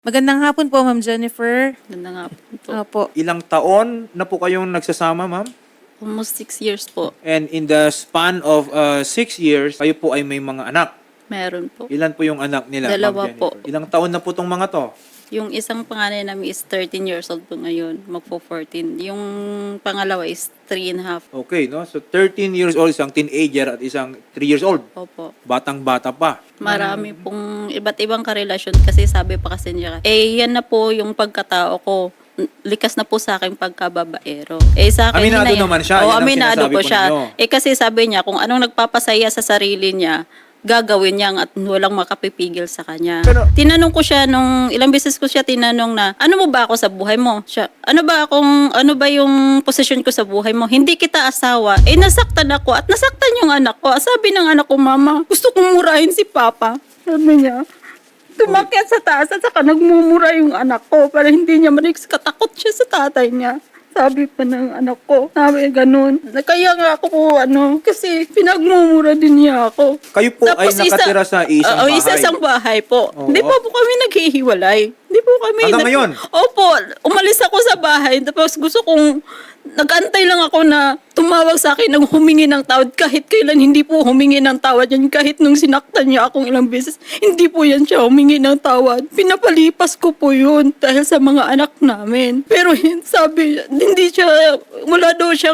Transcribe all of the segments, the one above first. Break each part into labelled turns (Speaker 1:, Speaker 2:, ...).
Speaker 1: Magandang hapon po, Ma'am Jennifer.
Speaker 2: Ganda nga po.
Speaker 1: Opo.
Speaker 3: Ilang taon na po kayong nagsasama, ma'am?
Speaker 2: Almost 6 years po.
Speaker 3: And in the span of 6 years, kayo po ay may mga anak.
Speaker 2: Meron po.
Speaker 3: Ilan po yung anak nila,
Speaker 2: Dalawa
Speaker 3: Ma'am
Speaker 2: po.
Speaker 3: Jennifer? Ilang taon na po tong mga to?
Speaker 2: Yung isang panganay namin is 13 years old po ngayon. Magpo 14. Yung pangalawa is 3 and a half.
Speaker 3: Okay, no? So 13 years old, isang teenager at isang 3 years old.
Speaker 2: Opo.
Speaker 3: Batang-bata pa.
Speaker 2: Marami pong iba't ibang karelasyon kasi sabi pa kasi niya, yan na po yung pagkatao ko. Likas na po sa akin pagkababaero. Sa akin
Speaker 3: Aminado naman siya.
Speaker 2: Oo,
Speaker 3: Yan ang
Speaker 2: aminado
Speaker 3: sinasabi
Speaker 2: po
Speaker 3: ko
Speaker 2: siya.
Speaker 3: ninyo.
Speaker 2: Kasi sabi niya, kung anong nagpapasaya sa sarili niya, gagawin niya at walang makapipigil sa kanya.
Speaker 3: Pero-
Speaker 2: Tinanong ko siya nung ilang beses ko siya tinanong na, ano mo ba ako sa buhay mo? Siya, ano ba yung posisyon ko sa buhay mo? Hindi kita asawa. Nasaktan ako at nasaktan yung anak ko. Sabi ng anak ko, mama, gusto kong murahin si papa. Sabi niya, tumakyat sa taas at saka nagmumura yung anak ko para hindi niya marinig. Katakot siya sa tatay niya. Sabi pa ng anak ko, sabi ganun. Kaya nga ako po, kasi pinagmumura din niya ako.
Speaker 3: Kayo po ay nakatira sa isang bahay.
Speaker 2: Isang bahay po.
Speaker 3: Oo.
Speaker 2: Hindi pa po kami naghihiwalay. Hindi po kami.
Speaker 3: Hanggang ngayon?
Speaker 2: Opo, umalis ako sa bahay. Tapos gusto kong, nag-antay lang ako na tumawag sa akin ng humingi ng tawad. Kahit kailan hindi po humingi ng tawad yan. Kahit nung sinaktan niya akong ilang beses, hindi po yan siya humingi ng tawad. Pinapalipas ko po yun dahil sa mga anak namin. Pero sabi, hindi siya, wala daw siyang,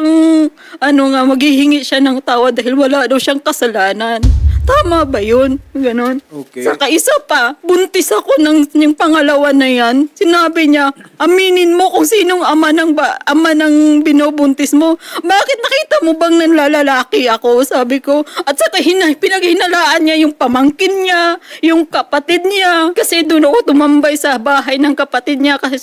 Speaker 2: maghihingi siya ng tawad dahil wala daw siyang kasalanan. Tama ba yun? Ganon.
Speaker 3: Okay.
Speaker 2: Saka isa pa, buntis ako yung pangalawa na yan. Sinabi niya, aminin mo kung sinong ama ng binubuntis mo. Bakit nakita mo bang nanlalalaki ako? Sabi ko. At saka pinaghinalaan niya yung pamangkin niya, yung kapatid niya. Kasi doon ako tumambay sa bahay ng kapatid niya kasi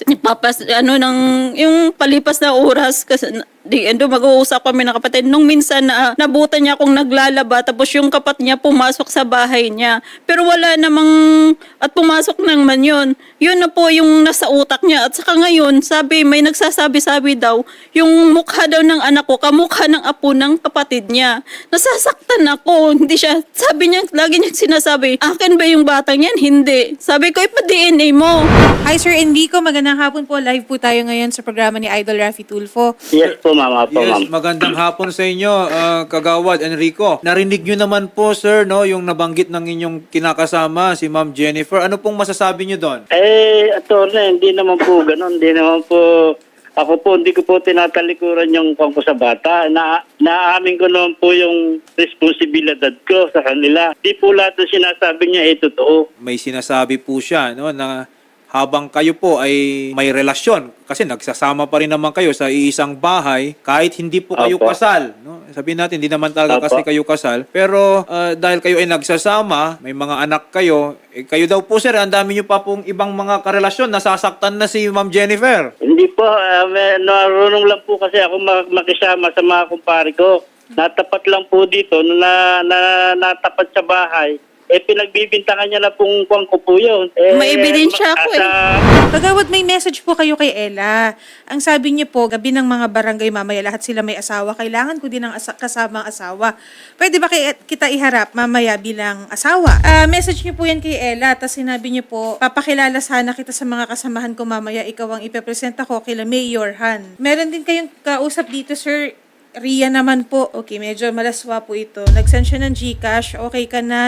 Speaker 2: yung palipas na oras kasi mag-uusap kami ng kapatid. Nung minsan nabutan niya akong naglalaba tapos yung kapatid niya pumasok sa bahay niya. Pero wala namang, at pumasok naman yun. Yun na po yung nasa utak niya. At saka ngayon, may nagsasabi-sabi daw, yung mukha daw ng anak ko, kamukha ng apo ng kapatid niya. Nasasaktan ako. Hindi siya, sabi niya, lagi niya sinasabi, akin ba yung batang yan? Hindi. Sabi ko, ipa-DNA mo.
Speaker 1: Hi, Sir Enrico. Magandang hapon po. Live po tayo ngayon sa programa ni Idol Raffy Tulfo.
Speaker 4: Yes po, ma'am. Apo,
Speaker 3: Yes,
Speaker 4: ma'am.
Speaker 3: magandang hapon sa inyo, Kagawad Enrico. Narinig nyo naman po, sir, no, yung nabanggit ng inyong kinakasama, si Ma'am Jennifer. Ano pong masasabi nyo doon?
Speaker 4: Attorney, hindi naman po ganun. Hindi naman po, ako po, hindi ko po tinatalikuran yung pangko sa bata. Naamin ko naman po yung responsibilidad ko sa kanila. Di po lahat ng sinasabi niya totoo.
Speaker 3: May sinasabi po siya, no, na habang kayo po ay may relasyon, kasi nagsasama pa rin naman kayo sa iisang bahay, kahit hindi po kayo
Speaker 4: Opo.
Speaker 3: kasal. No? Sabihin natin, hindi naman talaga
Speaker 4: Opo.
Speaker 3: kasi kayo kasal. Pero dahil kayo ay nagsasama, may mga anak kayo, kayo daw po, sir, ang dami nyo pa pong ibang mga karelasyon, nasasaktan na si Ma'am Jennifer.
Speaker 4: Hindi po, narunong lang po kasi ako makisama sa mga kumpare ko. Natapat lang po dito, natapat sa bahay. Pinagbibintangan niya na pong kuwang ko po yun.
Speaker 2: May ebidensya ako
Speaker 1: Kagawad, may message po kayo kay Ella. Ang sabi niyo po, gabi ng mga barangay mamaya, lahat sila may asawa. Kailangan ko din ng kasamang asawa. Pwede ba kita iharap mamaya bilang asawa? Message niyo po yan kay Ella. Tapos sinabi niyo po, papakilala sana kita sa mga kasamahan ko mamaya. Ikaw ang ipepresent ako kila Mayor Han. Meron din kayong kausap dito, Sir Ria naman po. Okay, medyo malaswa po ito. Nag-send siya ng GCash. Okay ka na?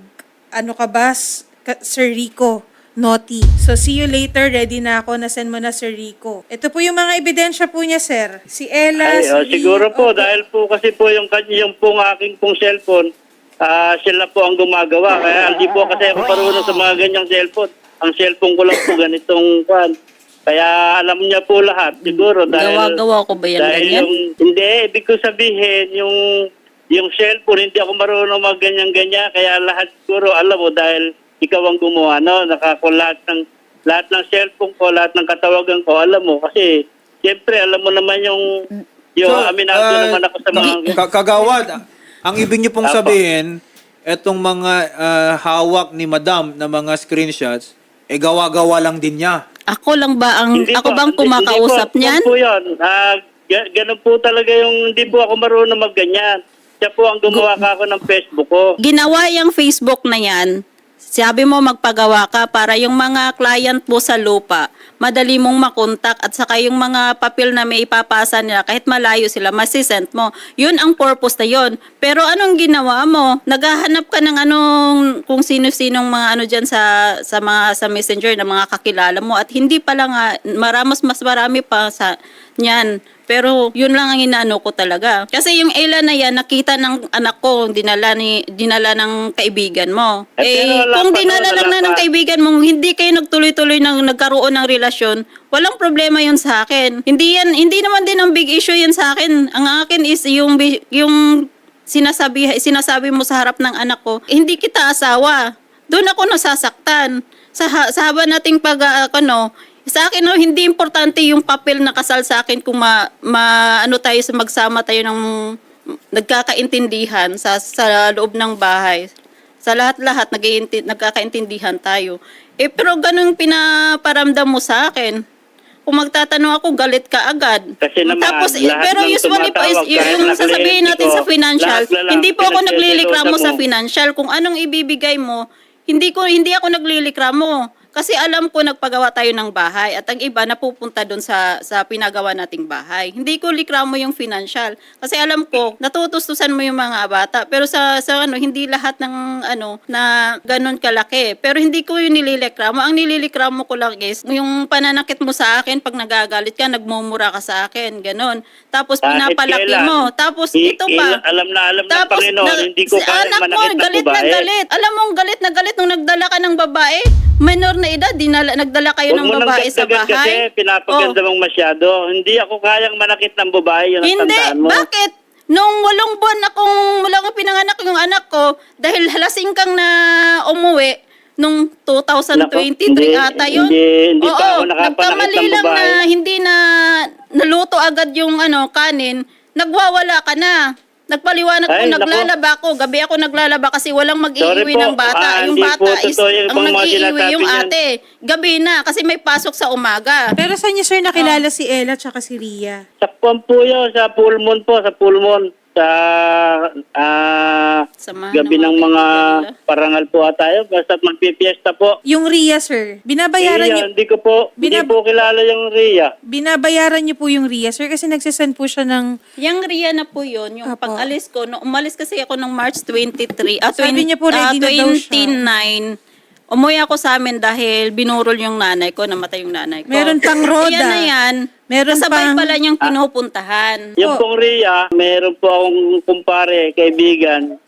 Speaker 1: Sir Rico? Naughty. So, see you later. Ready na ako. Nasend mo na, Sir Rico. Ito po yung mga ebidensya po niya, sir. Si Ella,
Speaker 4: Siguro po,
Speaker 1: Opo.
Speaker 4: dahil po kasi po yung pong aking pong cellphone, sila po ang gumagawa. Kaya hindi po kasi ako marunong sa mga ganyang cellphone. Ang cellphone ko lang po ganitong kwan. Kaya alam niya po lahat, siguro. Dahil,
Speaker 2: Gawa-gawa ko ba yan
Speaker 4: dahil
Speaker 2: ganyan?
Speaker 4: hindi, ibig ko sabihin, yung cellphone, hindi ako marunong mag-ganyan-ganyan. Kaya lahat siguro, alam mo, dahil ikaw ang gumawa, no? Lahat ng cellphone ko, lahat ng katawagan ko, alam mo. Kasi, siyempre, alam mo naman aminado naman ako sa mga...
Speaker 3: Kagawad, ang ibig niyo pong
Speaker 4: Apo.
Speaker 3: sabihin, etong mga hawak ni Madam na mga screenshots, gawa-gawa lang din niya.
Speaker 2: Ako lang ba ang,
Speaker 4: Hindi
Speaker 2: ako
Speaker 4: po,
Speaker 2: bang kumakausap
Speaker 4: hindi po,
Speaker 2: niyan?
Speaker 4: Hindi po yun. Ganun po talaga hindi po ako marunong magganyan. Siya po ang gumawa ka ako ng Facebook ko.
Speaker 2: Ginawa yung Facebook na yan Sabi mo magpagawa ka para yung mga client mo sa lupa, madali mong makontak at saka yung mga papel na may ipapasa nila kahit malayo sila, masisend mo. Yun ang purpose na yun. Pero anong ginawa mo? Naghahanap ka ng kung sino-sinong mga dyan sa messenger na mga kakilala mo at hindi pala nga, mas marami pa sa niyan. Pero yun lang ang inaano ko talaga. Kasi yung Ella na yan, nakita ng anak ko, dinala ng kaibigan mo.
Speaker 4: Pero
Speaker 2: Kung dinala lang na ng kaibigan mo, hindi kayo nagtuloy-tuloy nagkaroon ng relasyon, walang problema yun sa akin. Hindi naman din ang big issue yan sa akin. Ang akin is yung sinasabi mo sa harap ng anak ko, hindi kita asawa. Doon ako nasasaktan. Sa haba nating sa akin, hindi importante yung papel na kasal sa akin kung magsama tayo ng nagkakaintindihan sa loob ng bahay. Sa lahat-lahat, nagkakaintindihan tayo. Pero ganun pinaparamdam mo sa akin. Kung magtatanong ako, galit ka agad.
Speaker 4: Kasi naman,
Speaker 2: Tapos,
Speaker 4: lahat
Speaker 2: pero
Speaker 4: ng
Speaker 2: usually po,
Speaker 4: tumatawag, kahit
Speaker 2: yung sasabihin natin sa financial,
Speaker 4: lahat na lang,
Speaker 2: hindi po ako naglilikramo
Speaker 4: pinagseselosa
Speaker 2: sa
Speaker 4: mo.
Speaker 2: financial. Kung anong ibibigay mo, hindi ako naglilikramo. Kasi alam ko nagpagawa tayo ng bahay at ang iba napupunta doon sa pinagawa nating bahay. Hindi ko likramo yung financial. Kasi alam ko, natutustusan mo yung mga bata. Pero hindi lahat ng na ganun kalaki. Pero hindi ko yung nililikramo. Ang nililikramo ko lang is yung pananakit mo sa akin pag nagagalit ka, nagmumura ka sa akin. Ganun. Tapos pinapalaki
Speaker 4: kailan?
Speaker 2: mo. Tapos ito pa.
Speaker 4: Alam ng Panginoon, hindi ko
Speaker 2: si
Speaker 4: kaya
Speaker 2: anak mo,
Speaker 4: manakit ng
Speaker 2: galit
Speaker 4: babae.
Speaker 2: na galit. Alam mo, galit na galit nung nagdala ka ng babae. Minor na edad, nagdala kayo ng babae sa
Speaker 4: Huwag mo nang
Speaker 2: bahay.
Speaker 4: kasi pinapaganda mong masyado. Hindi ako kayang manakit ng babae, yun ang
Speaker 2: Hindi,
Speaker 4: tandaan mo.
Speaker 2: bakit? Nung 8 buwan mula ko pinanganak yung anak ko, dahil halasing kang na umuwi, nung 2023
Speaker 4: Naku,
Speaker 2: ata yun.
Speaker 4: hindi pa ako nakapanakit
Speaker 2: nagkamali
Speaker 4: ng
Speaker 2: lang
Speaker 4: babae.
Speaker 2: na hindi na naluto agad yung kanin, nagwawala ka na. Nagpaliwanag ko,
Speaker 4: Ay, naku.
Speaker 2: naglalaba ko. Gabi ako naglalaba kasi walang
Speaker 4: Sorry
Speaker 2: mag-iiwi
Speaker 4: po.
Speaker 2: ng bata. Yung
Speaker 4: Hindi
Speaker 2: bata
Speaker 4: po
Speaker 2: is,
Speaker 4: totoo yung
Speaker 2: ang
Speaker 4: mga
Speaker 2: nag-iiwi
Speaker 4: sinasabi
Speaker 2: yung
Speaker 4: niyan.
Speaker 2: ate. Gabi na kasi may pasok sa umaga.
Speaker 1: Pero saan niyo, sir, nakilala si Ella tsaka si Ria?
Speaker 4: Sa po yun, sa Pulmon po, sa Pulmon. Sa
Speaker 2: Samahan
Speaker 4: gabi
Speaker 2: ng
Speaker 4: ng mga
Speaker 2: kaibigan nila.
Speaker 4: parangal po tayo. Basta magpipiesta po.
Speaker 1: Yung Ria, sir, binabayaran niyo,
Speaker 4: Hindi po kilala yung Ria.
Speaker 1: binabayaran niyo po yung Ria, sir, kasi nagsisend po siya ng...
Speaker 2: Yung Ria na po yun, yung
Speaker 1: Apo.
Speaker 2: pag-alis ko, umalis kasi ako ng March 23,
Speaker 1: Sabi niya po, ready na daw siya.
Speaker 2: 29, umuwi ako sa amin dahil binurol yung nanay ko, namatay yung nanay ko.
Speaker 1: Meron pang roda.
Speaker 2: Yan na yan.
Speaker 1: Meron
Speaker 2: Kasabay
Speaker 1: pang-
Speaker 2: pala niyang pinupuntahan.
Speaker 4: Yung pong Ria, meron po akong kumpare, kaibigan.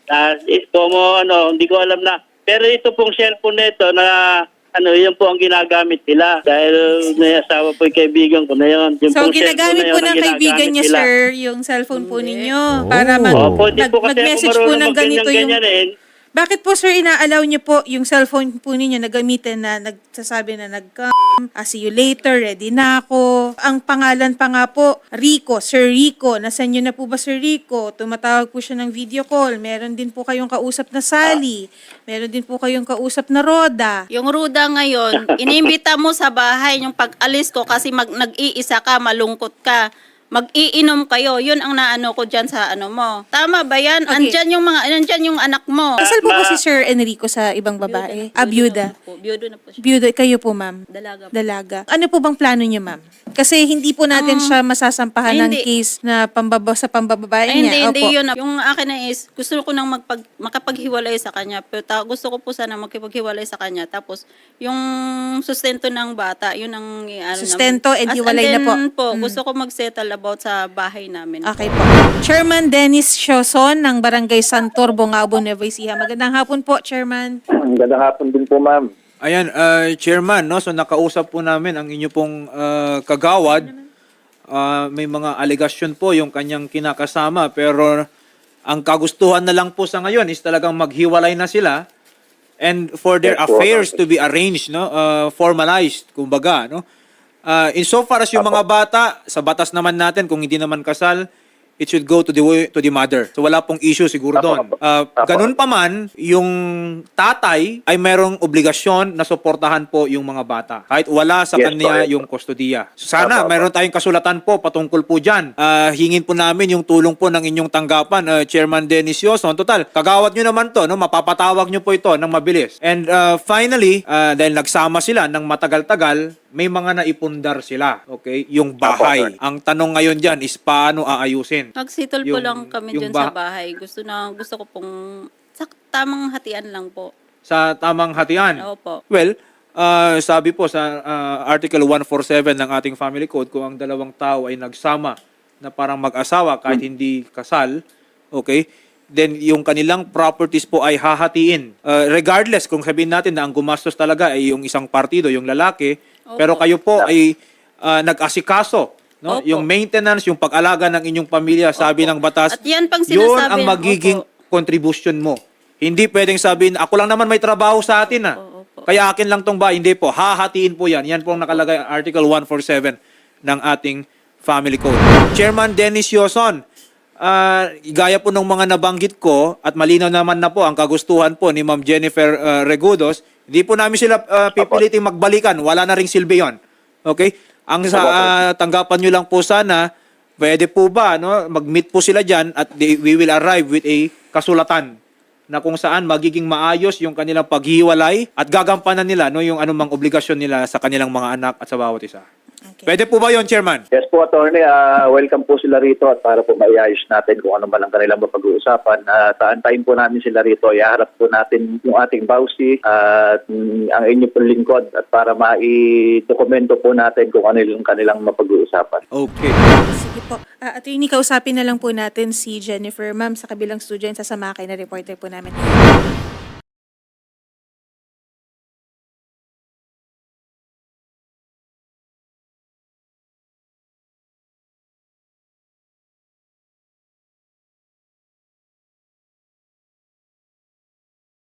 Speaker 4: Hindi ko alam na. Pero ito pong cellphone nito na yun po ang ginagamit nila. Dahil may asawa po yung kaibigan ko na yun. Yung
Speaker 1: So,
Speaker 4: pong
Speaker 1: ginagamit
Speaker 4: cellphone na
Speaker 1: po
Speaker 4: yun
Speaker 1: ng
Speaker 4: ang
Speaker 1: kaibigan
Speaker 4: ginagamit
Speaker 1: niya,
Speaker 4: nila.
Speaker 1: sir, yung cellphone po ninyo para
Speaker 4: Opo, hindi po kasi
Speaker 1: mag-message
Speaker 4: ako
Speaker 1: po
Speaker 4: marunong
Speaker 1: ng ganito yung...
Speaker 4: ganyan.
Speaker 1: Bakit po, sir, ina-allow niyo po yung cellphone po ninyo na gamitin na nagsasabi na see you later, ready na ako. Ang pangalan pa nga po, Rico, Sir Rico. Nasaan niyo na po ba, Sir Rico? Tumatawag po siya ng video call. Meron din po kayong kausap na Sally. Meron din po kayong kausap na Roda.
Speaker 2: Yung Ruda ngayon, inimbita mo sa bahay yung pag-alis ko kasi nag-iisa ka, malungkot ka. Mag-iinom kayo. Yun ang naano ko dyan sa mo. Tama ba yan?
Speaker 1: Okay.
Speaker 2: Andyan yung anak mo.
Speaker 1: Kasal po ba si Sir Enrico sa ibang babae? Byuda.
Speaker 2: Byuda na po siya.
Speaker 1: Byuda, kayo po, ma'am.
Speaker 2: Dalaga po.
Speaker 1: Dalaga. Ano po bang plano niyo, ma'am? Kasi hindi po natin siya masasampahan ng
Speaker 2: hindi.
Speaker 1: case na sa pambababae
Speaker 2: Ay,
Speaker 1: niya.
Speaker 2: hindi
Speaker 1: Opo.
Speaker 2: yun. Yung akin na is, gusto ko nang makapaghiwalay sa kanya. Pero gusto ko po sana makipaghiwalay sa kanya. Tapos, yung sustento ng bata, yun ang
Speaker 1: Sustento and hiwalay na po.
Speaker 2: Gusto ko mag-settle about sa bahay namin.
Speaker 1: Okay po. Chairman Dennis Sioson ng Barangay Santor, Bongabo, Nueva Ecija. Magandang hapon po, Chairman.
Speaker 5: Magandang hapon din po, ma'am.
Speaker 3: Ayan, Chairman, no? So nakausap po namin ang inyo pong kagawad. May mga alegasyon po yung kanyang kinakasama, pero ang kagustuhan na lang po sa ngayon is talagang maghiwalay na sila and for their
Speaker 5: Yes po.
Speaker 3: affairs to be arranged, no? Formalized, kumbaga, no? Insofar as yung mga bata, sa batas naman natin, kung hindi naman kasal, it should go to the mother. So wala pong issue siguro doon. Ganun pa man, yung tatay ay merong obligasyon na suportahan po yung mga bata. Kahit wala sa
Speaker 5: Yes,
Speaker 3: kanya
Speaker 5: correct.
Speaker 3: yung kustodiya. Sana
Speaker 5: Apo.
Speaker 3: mayroon tayong kasulatan po patungkol po dyan. Hingin po namin yung tulong po ng inyong tanggapan, Chairman Dennis Yoson. Total, kagawad nyo naman to, no? Mapapatawag nyo po ito ng mabilis. And finally, dahil nagsama sila ng matagal-tagal, may mga naipundar sila, okay? Yung bahay.
Speaker 5: Apo, sir.
Speaker 3: Ang tanong ngayon dyan is paano aayusin?
Speaker 2: Nagsitol po
Speaker 3: Yung-
Speaker 2: lang kami
Speaker 3: yung
Speaker 2: dyan sa bahay. Gusto ko pong tamang hatian lang po.
Speaker 3: Sa tamang hatian.
Speaker 2: Opo.
Speaker 3: Well, sabi po sa Article 147 ng ating Family Code, kung ang dalawang tao ay nagsama na parang mag-asawa kahit hindi kasal, okay, then yung kanilang properties po ay hahatiin. Regardless kung sabihin natin na ang gumastos talaga ay yung isang partido, yung lalaki, pero kayo po ay nag-asikaso, no?
Speaker 2: Opo.
Speaker 3: Yung maintenance, yung pag-alaga ng inyong pamilya, sabi ng batas,
Speaker 2: At yan pang
Speaker 3: yun
Speaker 2: sinasabi
Speaker 3: ang
Speaker 2: ng-
Speaker 3: magiging
Speaker 2: Opo.
Speaker 3: contribution mo. Hindi pwedeng sabihin, ako lang naman may trabaho sa atin,
Speaker 2: Opo.
Speaker 3: kaya akin lang tong ba? Hindi po. Hahatiin po yan. Yan po ang nakalagay Article 147 ng ating Family Code. Chairman Dennis Yoson, gaya po ng mga nabanggit ko at malinaw naman na po ang kagustuhan po ni Ma'am Jennifer Regudos, hindi po namin sila pipiliting magbalikan. Wala na ring silbi yun. Okay? Ang sa tanggapan nyo lang po sana, pwede po ba mag-meet po sila dyan at we will arrive with a kasulatan na kung saan magiging maayos yung kanilang paghiwalay at gagampanan nila yung anumang obligasyon nila sa kanilang mga anak at sa bawat isa.
Speaker 1: Okay.
Speaker 3: Pwede po ba yon, Chairman?
Speaker 5: Yes po, Attorney. Welcome po sila rito at para po maiayos natin kung ano man ang kanilang mapag-uusapan. Taantayin po namin sila rito. Iharap po natin yung ating bawsi at ang inyo pong lingkod at para mai-dokumento po natin kung ano yung kanilang mapag-uusapan.
Speaker 3: Okay.
Speaker 1: Sige po. Attorney, kausapin na lang po natin si Jennifer. Ma'am, sa kabilang studio, sasama kayo na reporter po namin.